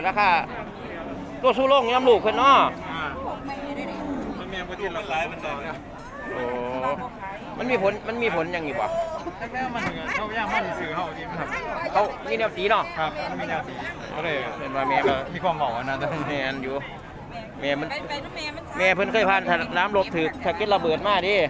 ราคาตัวสู้โลงย้ำลูกเพิ่นเนาะมันแม่ประเทศเราหลายมันได้เนี่ยโอ้มันมีผลยังอยู่บ่แม่มันเขาย่างมันสื่อเขาจริงครับเขามีแนวสีเนาะครับมันมีแนวสีเขาเลยเป็นว่าแม่มันมีความเหมาะนะแต่แม่นอยู่แม่มันแม่เพิ่นเคยผ่านน้ำลบถือถ้าเกิดระเบิดมาดิ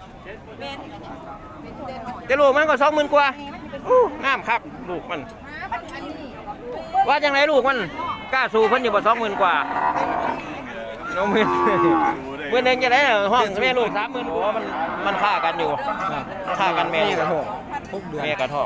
แต่ลูกมันก็20,000 กว่าน้ำครับลูกมันว่าจังไรลูกมันกล้าสู้เพิ่นอยู่บ่20,000 กว่าน้องมือมือหนึ่งจะได้ห้องแม่ลูก30,000โอ้มันฆ่ากันอยู่ฆ่ากันแม่กระทองแม่กระทอง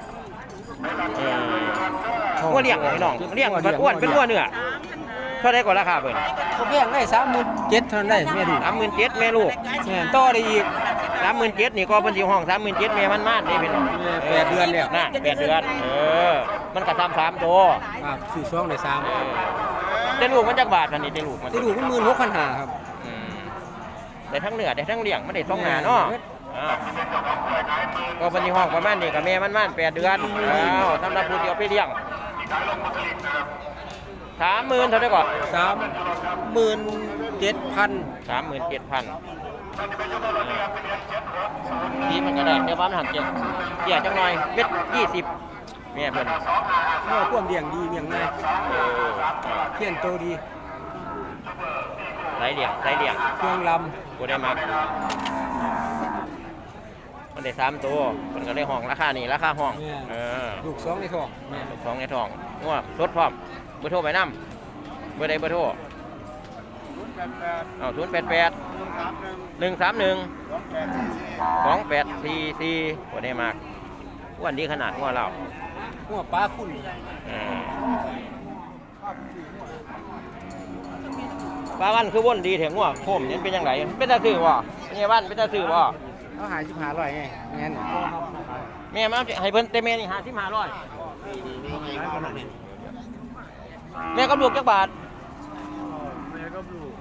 ว่าเลี้ยงพี่น้องเลี้ยงมันอ้วนเป็นอ้วนเนื้อเท่าไรก่อนราคาเพิ่นเขาเลี้ยงได้37,000เท่านั้นได้แม่ดู 37,000แม่ลูกแม่ต่อได้อีก 37,000นี่ก็เพิ่นสิห้อง37,000แม่มันมาดนี่พี่น้อง 8เดือนแล้วน่ะ8 เดือนมันก็ทำ3 ตัวครับซื้อช่องได้3 แต่ลูกมันจักบาทอันนี้แต่ลูกมันที่ดูก็16,500ครับได้ทั้งเนื้อได้ทั้งเลี้ยงมันได้2 หน้าเนาะก็เป็นห้องประมาณนี้กับแม่มัน8 เดือนสำหรับผู้เดียวไปเลี้ยง30,000เท่าไหร่ก่อน 37,000 37,000นี่มันก็ได้แต่ว่ามันหันเกี่ยจังหน่อยเม็ด20แม่เพิ่นเมื่อความเลี้ยงดีเลี้ยงง่ายเพี้ยนโตดีใส่เลี้ยงเครื่องลกูได้มักมันได้3 ตัวมันก็ได้ห้องราคานี่ราคาห้องำลูก2ในท้องแม่ 2 ในท้องงัวสดพร้อมเบอร์โทรไปนำเบอร์ใดเบอร์โทร088 131 2844กูได้มักอ้วนดีขนาดงัวเราหัวปลาคุณปลาวันคือว่นดีแถงงัวโคมนี่เป็นยังไงเป็นตาซื้อบ่เนี่ยบ้านเป็นตาซื้อบ่เขาหาย15,000ไงงั้นแม่มาให้เพิ่นแต่แม่นี่55,000แม่กับลูกจักบาทแม่ก็ปลูก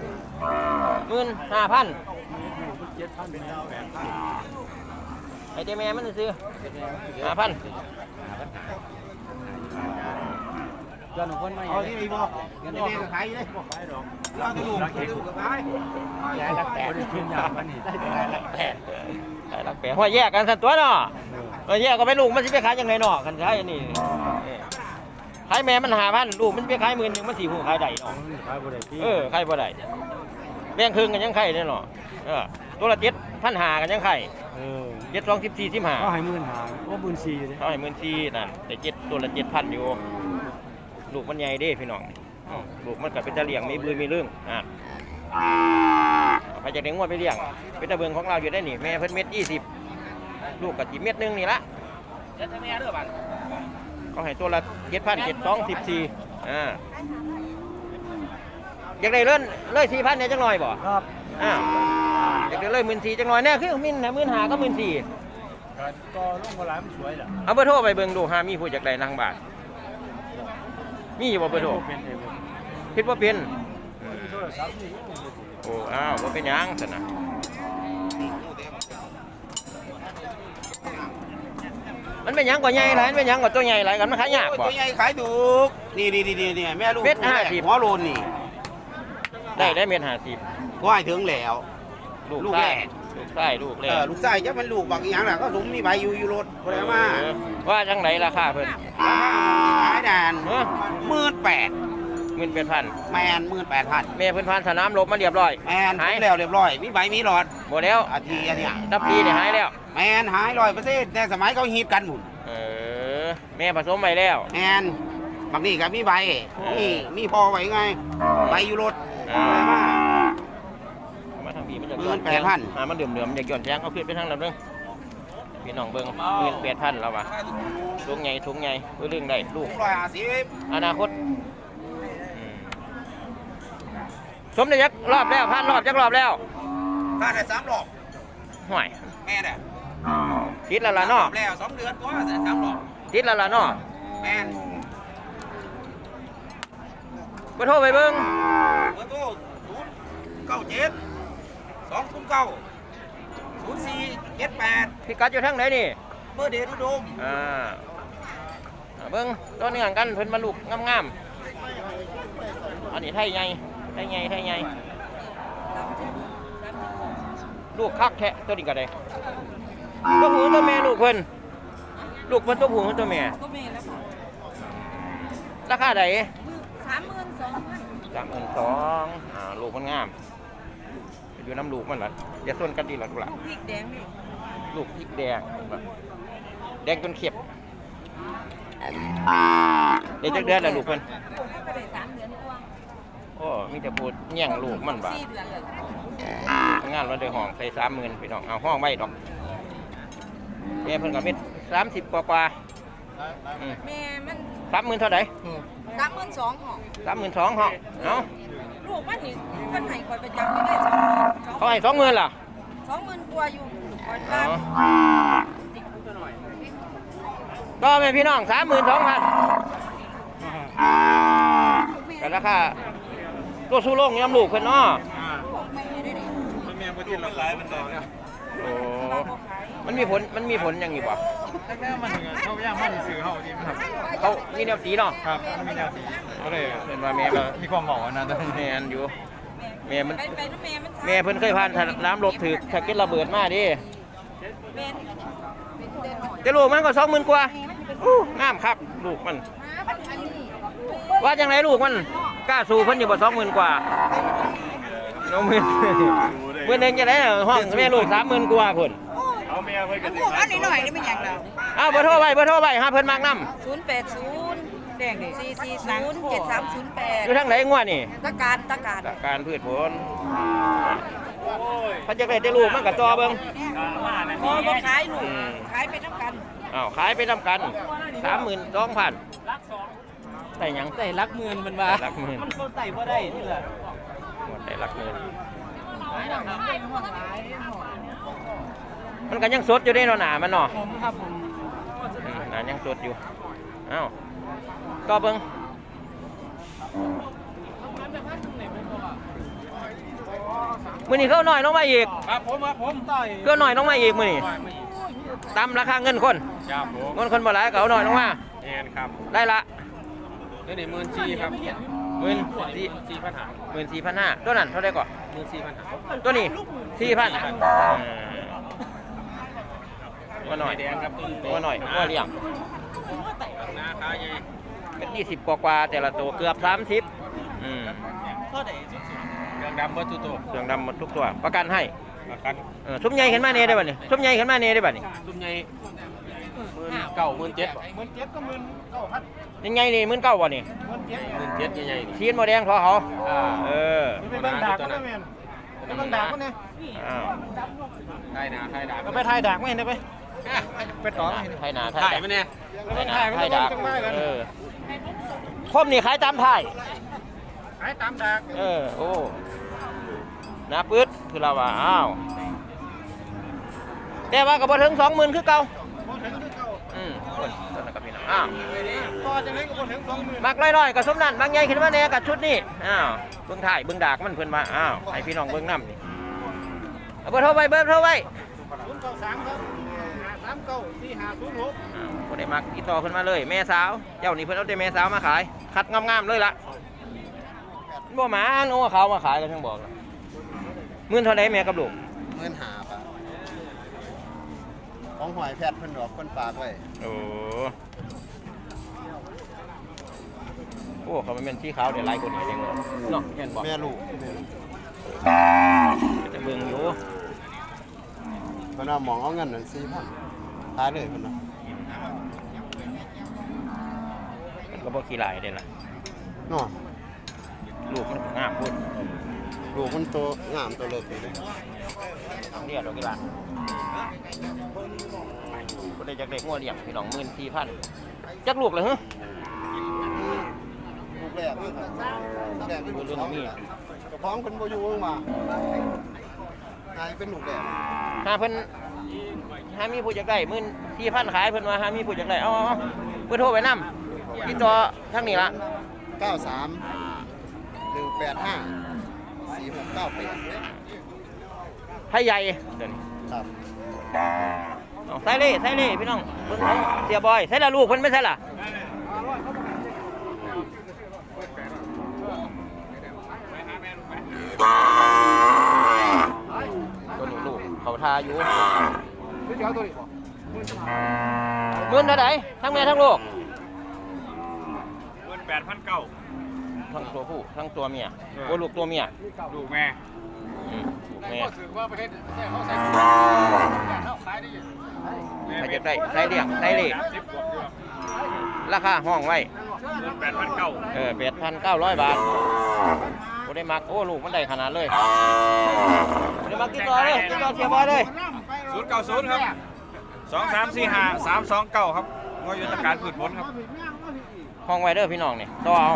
15,000 7,000เป็น9แบบไอ้แต่แม่มันซื้อ5,000 ย้อนของคนมาอ๋อที่มีบอกเงินแม่ก็ขายอยู่เลยบอกขายดอกแล้วก็ลูกก็ขายย้ายละ8ขึ้นยากมันนี่ได้ละ8หัวแยกกันสันตัวเนาะแยกก็ไปลูกมันสิไปขายยังไงเนาะคันขายอันนี้ขายแม่มัน5,000ลูกมันไปขาย10,000มันสิฮู้ขายได้เนาะขายบ่ได้ที่ขายบ่ได้แบ่งครึ่งกันยังไข่เด้เนาะตัวละ7,500กันยังไข่7 2 14 15 เขาให้15,000ว่า14,000อยู่เด้เขาให้14,000นั่นแต่7ตัวละ7,000อยู่ลูกมันใหญ่เด้พี่น้องลูกมันก็เป็นตะเลี้ยงมีบือมีเรื่องไปจากเด็กงวดไปเลี้ยงเป็นตะเบิงของเราอยู่ได้นี่แม่เพิ่นเม็ด20ลูกกับจีเม็ดนึงนี่ละเขาให้ตัวละ7,000 7 2 14อยากได้เลื่อนเลย4,000เนี่ยจังหน่อยบ่ครับอยากได้เลย14,000จังหน่อยแน่คือมินนะ15,000ก็14,000 ก็ลูกมาหลายมันสวยแหละเอาเบอร์โทรไปเบิ่งดูหามีผู้อยากได้นางบาทมีอยู่บ่เบอร์โทรคิดว่าเป็นโอ้ว่าเป็นหยังซั่นน่ะมันเป็นหยังกว่าใหญ่หลายมันเป็นหยังกว่าตัวใหญ่หลายกันมันขายยากบ่ตัวใหญ่ขายถูกนี่แม่ลูกเม็ด50 หัวโลนนี่ได้เม็ด50 ว่ายถึงแล้วลูกลูกไส้แรกลูกไส้ลูกแรกลูกไส้จะมันลูกบางอย่างน่ะก็สมมีใบอยู่รถคนละมาว่าจังไหนราคาเพิ่นขายนาน18,000 18,000 แมน18,000 แม่เพิ่นผ่านสนามรบมาเรียบร้อยแมนหายแล้วเรียบร้อยมีใบมีหลอดบ่แล้วอาทีอันเนี้ยตับปีนี่หายแล้วแมนหาย100%แต่สมัยเขาฮิตกันหมุนแม่ผสมไปแล้วแมนบางนี่ก็มีใบมีพอไว้ไงใบอยู่รถมามาทางนี้มันจะ 18,000 มันเดือมๆอยากหย่อนแทงเอาขึ้นไปทางนั้นเบิ่งพี่น้องเบิ่ง18,000แล้วว่ะถุงใหญ่เรื่องได้ลูก 150 อนาคตสมได้จักรอบแล้วผ่านรอบจักรอบแล้วถ้าได้3รอบห่วยแม่น่ะติดแล้วล่ะเนาะแล้ว2 เดือนกว่าได้3รอบติดแล้วล่ะเนาะแม่นบ่โทรไปเบิ่งเบอร์โทร097 209 0478 พี่กัดอยู่ทางไหนนี่เบอร์เดชอุดมเบิ่งตัวเนื่องกันเพิ่นมาลูกงามอันนี้ไทยใหญ่ไทยใหญ่ไทยใหญ่ลูกคักแท้ตัวนี้ก็ได้ตัวผู้ตัวแม่ลูกเพิ่นลูกเพิ่นตัวผู้ตัวแม่ก็มีแล้วค่ะราคาใด 32,000 ลูกมันงามอยู่น้ำลูกมันล่ะอย่าส่วนกันดีหรอกล่ะพริกแดงนี่ลูกพริกแดงแดงจนเข็บเดี๋ยวจักเดือนแล้วลูกเพิ่นก็ได้3 เดือนกว่าโอ้มีแต่พูดแย่งลูกมันบ่า 4 เดือนเลยงานวันเดือห้องใส่30,000พี่น้องเอาห้องไว้ดอกแม่เพิ่นก็เม็ด30กว่าอืมแม่มัน 30,000เท่าใด 32,000ห้อง 32,000ห้องเอ้าลูกมันนี่เพิ่นให้ข่อยประจำไม่ได้20,000 เขาให้20,000ล่ะ 20,000กว่าอยู่ข่อยอ๋พาอก็แม่พี่น้อง32,000แต่ราคาตัวสู้โลงยำลูกเพิ่นเนาะแม่บ่ติดราคามันได้แล้วโอ้มันมีผลอย่างนี้บ่แม่มันเขาย่างมันซื้อเฮาดีครับเขามีแนวสีเนาะครับมันมีแนวสีก็เลยเพิ่นว่าแม่ก็มีความเหมาะนะตอนนี้แม่นอยู่แม่มันไปน้ำแม่มันแม่เพิ่นเคยผ่านน้ำลบถึกถ้าเกิดระเบิดมาดิแม่นเป็นเดือนหน่อยแต่ลูกมันก็20,000กว่างามครับลูกมันอันนี้ว่าจังไดลูกมันกล้าสู้เพิ่นอยู่บ่20,000กว่าน้องมื้อมื้อนึงจะได้ห้องแม่ลูก30,000กว่าพุ่นเอาแม่เพิ่นก็สิอันนี้หน่อยนี่ไม่อยากเราเอาเบอร์โทรไว้หาเพิ่นมากนำ 080แดงดิ440 7308 อยู่ทางไหนงัวนี่ตะการการพืชผลถ้าจะได้แต่ลูกมันก็ต่อเบิ่งพอบ่ขายลูกขายไปน้ำกันอ้าวขายไปนำกัน 32,000ได้หยังได้หลักหมื่นมันว่าหลักหมื่นมันก็ไต่บ่ได้นี่แหละหมดได้หลักหมื่นมันก็ยังสดอยู่ได้เนาะหนามันเนาะผมครับผมหนายังสดอยู่เอ้าต่อเบิ่งมื้อนี้เขาหน่อยลงมาอีกครับผมต่อยก็หน่อยลงมาอีกมื้อนี้ตามราคาเงินคนครับผมเงินคนบ่หลายก็เอาหน่อยลงมาแม่นครับได้ละนี่14,000ครับ 14,500ตัวนั้นเท่าไหร่ก่อน 14,500 ตัวนี้4,000ว่าหน่อยแดงครับว่าหน่อยว่าเลี้ยงหน้าขาใหญ่เป็น20กว่าแต่ละตัวเกือบ30 เท่าใดสุดๆเครื่องดำเบิดทุกตัวเครื่องดำหมดทุกตัวประกันให้ประกันซุ้มใหญ่ขึ้นมาเน่ได้บ่นี่ซุ้มใหญ่ขึ้นมาเน่ได้บ่นี่ตุ้มใหญ่19,000 17,000ก็19,000 ยังไงนี่19,000บ่นี่ 17,000ใหญ่ๆนี่ชีนบ่แดงทอเขาเออไปเบิ่งดากก็ได้แม่นไปเบิ่งดากก็ได้อ้าวถ่ายหน้าถ่ายดากก็ไปถ่ายดากไม่เห็นได้ไปไปต่อไม่เห็นไทยนาถ่ายมาเนี่ยไทยดาบเออคมนี่ขายตามไทยขายตามดากโอ้หน้าปื๊ดคือเราว่าอ้าวแต่ว่าก็บ่ถึง20,000คือเก่าคนต้นนั้นก็พี่น้องอ้าวต่อจากนี้ก็บ่ถึง 20,000 มักน้อยๆก็สมนั่นบางใหญ่ขึ้นมาแน่กับชุดนี้อ้าวเบิ่งถ่ายเบิ่งดากมันเพิ่นว่าอ้าวให้พี่น้องเบิ่งนำนี่เอาเบอร์โทรไว้ 093ครับ5394506 บ่ได้มักติดต่อเพิ่นมาเลยแม่สาวเจ้านี่เพิ่นเอาแต่แม่สาวมาขายคัดงามๆเลยล่ะบ่หมาโอ้เขามาขายกันทั้งบอกมื้อเท่าใดแม่กับลูก 15,000 บาทของหอยแพทย์เพิ่นดอกเพิ่นฝากไว้โอ้เขามันเป็นสีขาวเดี๋ยวลายคนนี้เองเนาะแม่นบอกแม่ลูกจะเบิ่งอยู่เพิ่นว่าหมองเอาเงินนั่น4,000ขายเลยเพิ่นว่ามันก็บ่ขี้ลายเด้ล่ะเนาะลูกมันก็งามพุ่นลูกมันโตงามตัวเลิกดีเลยเรียกดอกกีฬาบ่ได้จักเด็กงัวเลี้ยงพี่น้อง 14,000จักลูกเลยฮะลูกแรกนี่ครับลูกแรกเป็นลูกเรื่องสองมีเจ้าของเพิ่นบ่อยู่มาหายเป็นลูกแรกหาเพิ่นหามีผู้จักได้14,000ขายเพิ่นว่าหามีผู้จักได้เอาเพิ่นโทรไปนำติดต่อทางนี้ล่ะ 93 185 4698 ไทยใหญ่เดี๋ยวนี้ครับเอาใส่เล่พี่น้องเบิ่งของเสียบอยใส่ละลูกเพิ่นไม่ใช่ล่ะอยู่หมื่นเท่าไหร่ทั้งแม่ทั้งลูก 18,900 ทั้งตัวผู้ทั้งตัวเมียโอ้ลูกตัวเมียลูกแม่ลูกแม่ก็ถือว่าประเทศเขาใส่เขาขายได้ยังใครจะได้ใส่เลี้ยงใส่เล่ราคาห้องไว้ 18,900 8,900 บาทบ่ได้มักโอ้ลูกมันได้ขนาดเลยบ่ได้มักติดต่อเลยติดต่อเสียบอยเลย 090ครับ2345 329ครับงอยุทธการพืชผลครับห้องไว้เด้อพี่น้องนี่ต่อเอา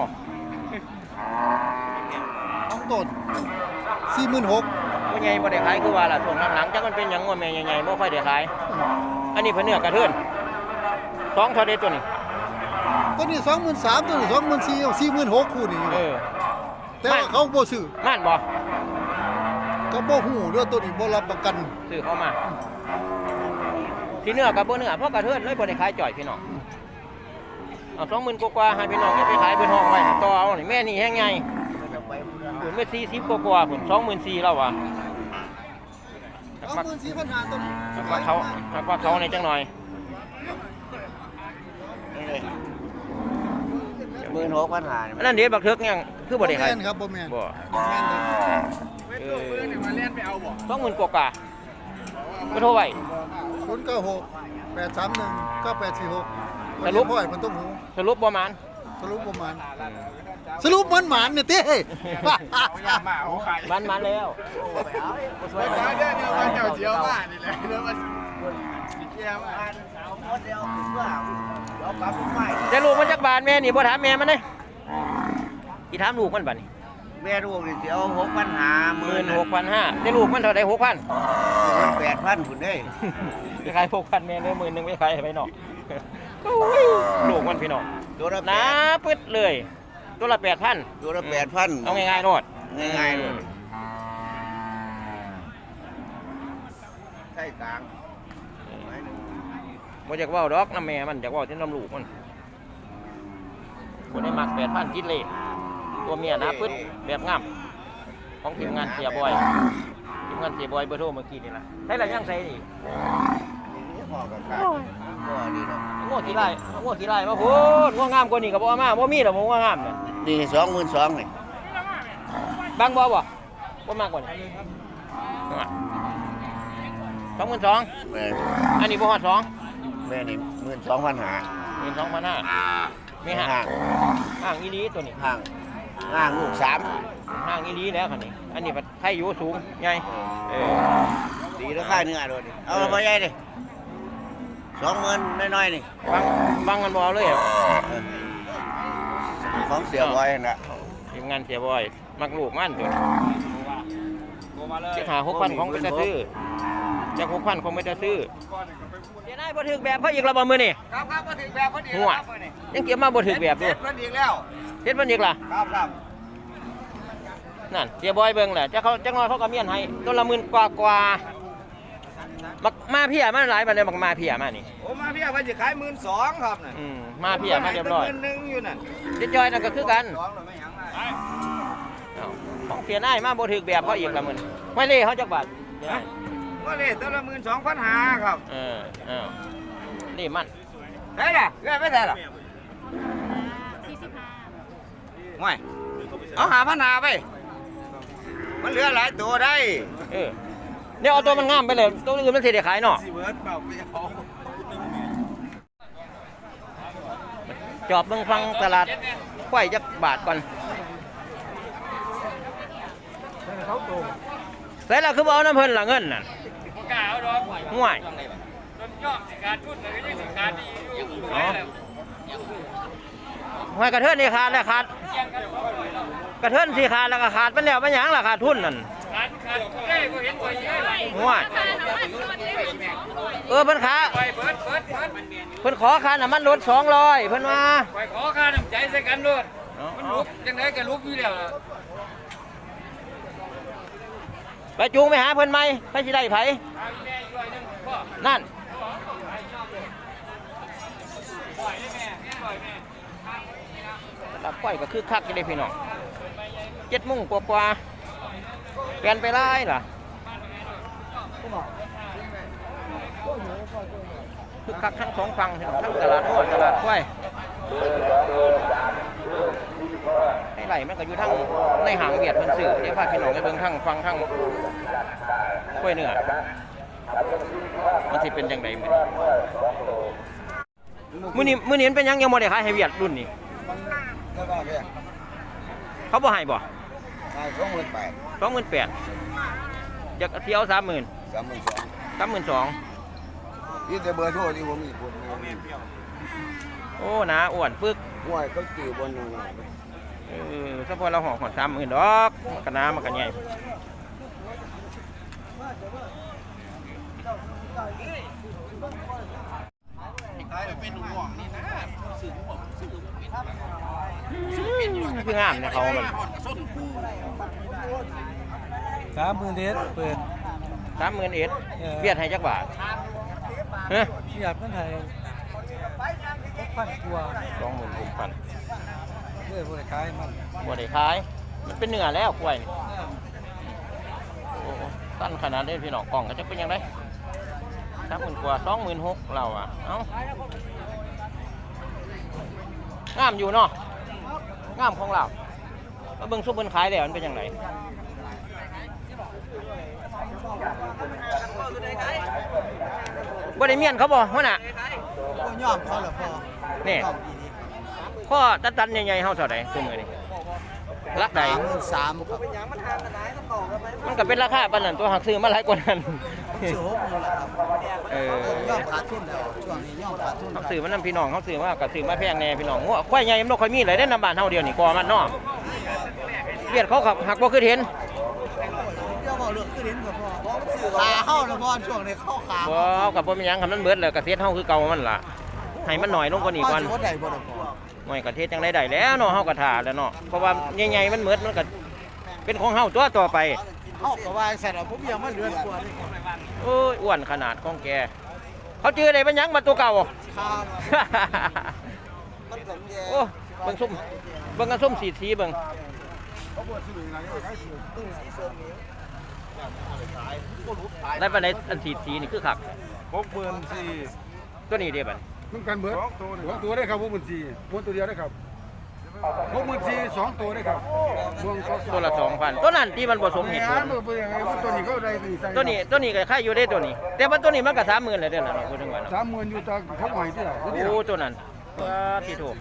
ต้องต้น46,000 บ่ใหญ่บ่ได้ขายคือว่าล่ะช่วงหลังๆจักมันเป็นหยังงัวแม่ใหญ่ๆบ่ค่อยได้ขายอันนี้เพิ่นเนื้อกระเทือน2เท่าใดตัวนี้ตัวนี้23,000ตัวนี้24,000 46,000คู่นี่ แต่ว่าเขาบ่ซื้อม่านบ่ก็บ่ฮู้เรื่องตัวนี้บ่รับประกันซื้อเข้ามาที่เนื้อกับบ่เนื้อเพราะกระเทือนเลยบ่ได้ขายจ่อยพี่น้องเอา20,000กว่าๆให้พี่น้องอย่าไปขายเพิ่นห้องไว้ต่อเอานี่แม่นี่แฮงใหญ่เพิ่นไป40กว่าๆเพิ่น24,000แล้วว่ะ 24,500ตัวนี้ว่าเขาในจังหน่อย 16,500 อันนั้นเดี๋ยวบักเทิกยังคือบ่ได้ขายแม่นครับบ่แม่นบ่บ่แม่นเลย 20,000กว่าๆบ่โทรไว้ 096 831 9846 สรุปพ่อยมันต้องหูสรุปบ่หมานสรุปประมาณสรุปมันหมานเนี่ยเต้มันแล้ว จะลูกมันจักบาทแม่นี่บ่ถามแม่มันเด้สิถามลูกมันบัดนี้แม่ลูกนี่สิเอา6,500 16,500จะลูกมันเท่าใด 6,000 8,000พุ่นเด้ไปขาย 6,000แม่เด้อ10,000ไปขายให้ไปนอกโอ้ยลูกมันพี่น้องตัวละหนาปึ๊ดเลย ตัวละ 8,000 ตัวละ8,000 เอาง่ายๆโลดง่ายๆเลยใช่กลางบ่อยากเว้าดอกน้ำแม่มันอยากเว้าที่น้ำลูกมันบ่ได้มัก 8,000กินเลยตัวเมียหนาปึ๊ดแบบงามของทีมงานเสียบอยทีมงานเสียบอยเบอร์โทรเมื่อกี้นี่ล่ะใส่ละยังใส่นี่พ่อกับข้าพ่อนี่เนาะงัวขี้ไล่งัวขี้ไล่มาพูดงัวงามกว่านี้ก็บ่เอามาบ่มีดอกงัวงามเนี่ยนี่22,000นี่บางบ่บ่บ่มากกว่านี้22,000 แม่อันนี้บ่ฮอด2 แม่นี่12,500 12,500มีห่างห่างห่างอีหลีตัวนี้ห่างห่างลูก3 ห่างอีหลีแล้วคันนี้อันนี้มันไทยอยู่สูงใหญ่ดีราคาเนื้อโดดนี่เอามาใหญ่ดิ20,000น้อยๆนี่บางมันบ่เอาเลยอะของเสียบอยนั่นน่ะทีมงานเสียบ่อยมักลูกมันตัวนี้จะหา 6,000 ของไปจะซื้อจะ 6,000 ของไปจะซื้อเดี๋ยวนายบ่ถึกแบบเขาอีกแล้วบ่มื้อนี้ครับมาถึงแบบพอดีหัวยังเก็บมาบ่ถึกแบบอยู่พอดีแล้วเฮ็ดมันอีกล่ะครับนั่นเสียบอยเบิ่งแหละจะเขาจังน้อยเขาก็เมียนให้ตัวละ10,000กว่าบักมาเพียมาหลายบัดเลยบักมาเพียมานี่โอ้มาพี่ว่าจะขาย12,000ครับน่ะมาเพียมาเรียบร้อย 1,000อยู่นั่นเจ๊จอยนั่นก็คือกัน 2แล้วไม่หยังไงเอ้าของเสียนายมาบ่ถึกแบบเขาอีกละมื้อไม่เล่เขาจักบาทเดี๋ยวนะก็เลยตัวละ12,500ครับอ้าวนี่มันได้ล่ะเงินไม่ได้ล่ะไม่เอา5,500ไปมันเหลือหลายตัวได้เดี๋ยวเอาตัวมันงามไปเลยตัวอื่นมันสิได้ขายเนาะจอบเบิ่งฟังตลาดควายจักบาทก่อนใส่แล้วคือบ่เอาน้ำเพิ่นล่ะเงินน่ะบ่กล้าเอาดอกห่วยจนยอมสิการทุนแล้วก็ยังสิการดีอยู่ห่วยกระเทินนี่ขาดแล้วขาดกระเทินสิขาดแล้วก็ขาดมันแล้วมันหยังล่ะขาดทุนนั่นการได้บ่เห็นบ่เยอะเลยห่วยเพิ่นขาไปเบิดเพิ่นขอค่าน้ำมันรถ200เพิ่นว่าไปขอค่าน้ำใจใส่กันโลดมันลุกจังได๋ก็ลุกอยู่แล้วล่ะไปจูงไปหาเพิ่นไหมไปสิได้ไผเอาอีแม่อีกร้อยหนึงพ่อนั่นปล่อยได้แม่ปล่อยแม่ตับก้อยก็คือคักกันเลยพี่น้อง7:00 นกว่าๆเปลี่ยนไปหลายล่ะคักทั้งสองฝั่งทั้งตลาดหัวตลาดควายให้ไหลมันก็อยู่ทั้งในหางเวียดเพิ่นซื้อเดี๋ยวพาพี่น้องไปเบิ่งทั้งฟังทั้งกล้วยเนื้อมันสิเป็นจังไดมื้อนี้มันเป็นหยังยังบ่ได้ขายให้เวียดรุ่นนี้แล้วก็เนี่ยเขาบ่ให้บ่ขาย28,000 28,000อยากสิเอา30,000 32,000 นี่แต่เบอร์โทรที่ผมมีคนโอ้หนาอ้วนปึกห้วยเขาตีบนนึงเฉพาะเราห่อ30,000ดอกมันก็น้ำมันก็ใหญ่คืองามเนี่ยเขามัน 30,000เดเปิด 30,000เอ็ดเวียดให้จักบาทฮะอยากเพิ่นให้6,000กว่า 26,000 เด้อบ่ได้ขายมันบ่ได้ขายมันเป็นเนื้อแล้วกล้วยนี่โอ้สั้นขนาดนี้พี่น้องกล่องก็จะเป็นยังไง30,000กว่า26,000เราอ่ะเอ้างามอยู่เนาะงามของเราแล้วเบิ่งซุปเบิ่งขายแล้วมันเป็นยังไงบ่ได้เมียนเขาบ่หัวหน้าก็ยอมเขาละพอนี่พ่อตันๆใหญ่ๆเฮาเท่าใดซุมื้อนี้รักใด 33,000ครับมันก็เป็นราคาปานนั้นตัวหักซื้อมาหลายกว่านั้นซื้อ60,000ละครับ ยอมขาดทุนแล้วช่วงนี้ยอมขาดทุนเขาซื้อมันนำพี่น้องเขาซื้อมาก็ซื้อมาแพงแน่พี่น้องงัวควายใหญ่มันบ่ค่อยมีเลยได้นำบ้านเฮาเดียวนี่กอมันเนาะเวียดเขาขับหักบ่คือเห็นเจ้าบอกเรื่องขึ้นหินกับพ่อขาเข้าแล้วพ่อช่วงนี้เข้าขาบ่กับบ่มีหยังคันมันเบิดแล้วก็เสียเฮาคือเก่ามันล่ะให้มันหน่อยลงกว่านี้ก่อนพ่อได้บ่ได้พ่อหน่อยก็เทศจังได้แล้วเนาะเฮาก็ท่าแล้วเนาะเพราะว่าใหญ่ๆมันเบิดมันก็เป็นของเฮาตัวต่อไปเข้ากับว่าเสร็จแล้วผมยังมาเดือนกว่านี่โอ้ยอ้วนขนาดของแกเขาชื่ออะไรเป็นหยังมาตัวเก่าครับโอ้เบิ่งส้มเบิ่งกระส้มสีเบิ่งได้ปานใดอันสีนี่คือคัก 64,000 ตัวนี้เด้บัดมันกันเบิด2ตัวได้ครับ64,000ตัวเดียวได้ครับ64,000 2ตัวได้ครับรวมก็ตัวละ 2,000ตัวนั้นที่มันผสมเหตุผลตัวนี้ก็ได้ไปใส่ตัวนี้ก็ค่ายอยู่ได้ตัวนี้ แต่ว่าตัวนี้มันก็30,000แล้วเด้อล่ะเนาะพูดถึงว่าเนาะ 30,000อยู่ตาเขาใหม่ที่ไหนโอ้ตัวนั้นที่ถูก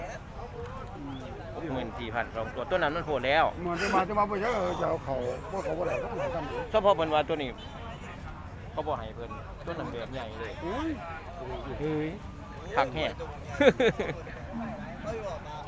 64,000 2ตัวนั้นมันโหดแล้วมันจะมาบ่เยอะจะเอาเขาบ่เขาบ่ได้ต้องทำเฉพาะเพิ่นว่าตัวนี้เขาบ่ให้เพิ่นตัวนั้นแบบใหญ่เลยอุ้ยเฮ้ยคักแฮะ